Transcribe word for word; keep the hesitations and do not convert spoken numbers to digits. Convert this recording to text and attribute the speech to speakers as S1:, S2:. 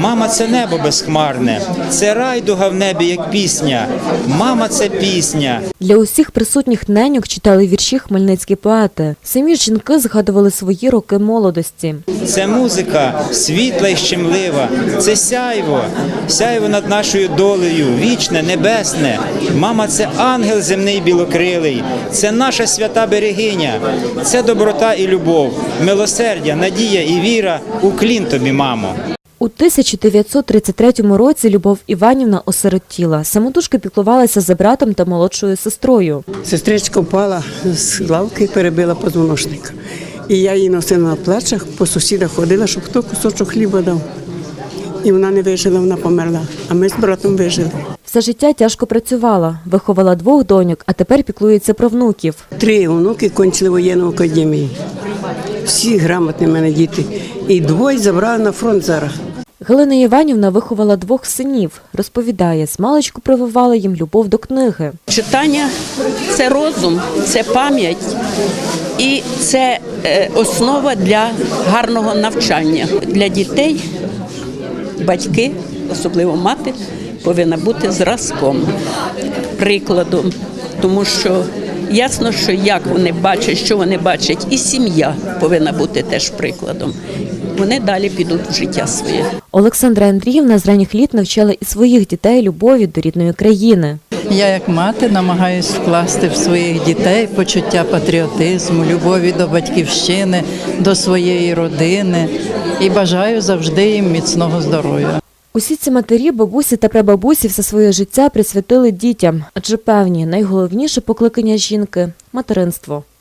S1: Мама – це небо безхмарне, це райдуга в небі, як пісня. Мама – це пісня.
S2: Для усіх присутніх неньок читали вірші хмельницькі поети. Самі жінки згадували свої роки молодості.
S1: Це музика світла і щемлива, це сяйво, сяйво над нашою долею, вічне, небесне. Мама – це ангел земний білокрилий, це наша свята берегиня, це доброта і любов, милосердя, надія і віра. Уклін тобі, мамо.
S2: У тисяча дев'ятсот тридцять третьому році Любов Іванівна осиротіла. Самотужки піклувалася за братом та молодшою сестрою.
S3: Сестричка впала з лавки і перебила позвоночника. І я її носила на плечах, по сусідах ходила, щоб хто кусочок хліба дав. І вона не вижила, вона померла, а ми з братом вижили.
S2: Все життя тяжко працювала, виховала двох доньок, а тепер піклується про внуків.
S3: Три онуки кончили воєнну академію. Всі грамотні в мене діти. І двоє забрали на фронт зараз.
S2: Галина Іванівна виховала двох синів. Розповідає, змалечку прививала їм любов до книги.
S4: Читання – це розум, це пам'ять і це основа для гарного навчання. Для дітей батьки, особливо мати, повинна бути зразком, прикладом, тому що ясно, що як вони бачать, що вони бачать, і сім'я повинна бути теж прикладом. Вони далі підуть в життя своє.
S2: Олександра Андріївна з ранніх літ навчала і своїх дітей любові до рідної країни.
S5: Я як мати намагаюсь вкласти в своїх дітей почуття патріотизму, любові до батьківщини, до своєї родини і бажаю завжди їм міцного здоров'я.
S2: Усі ці матері, бабусі та прабабусі все своє життя присвятили дітям, адже певні, найголовніше покликання жінки – материнство.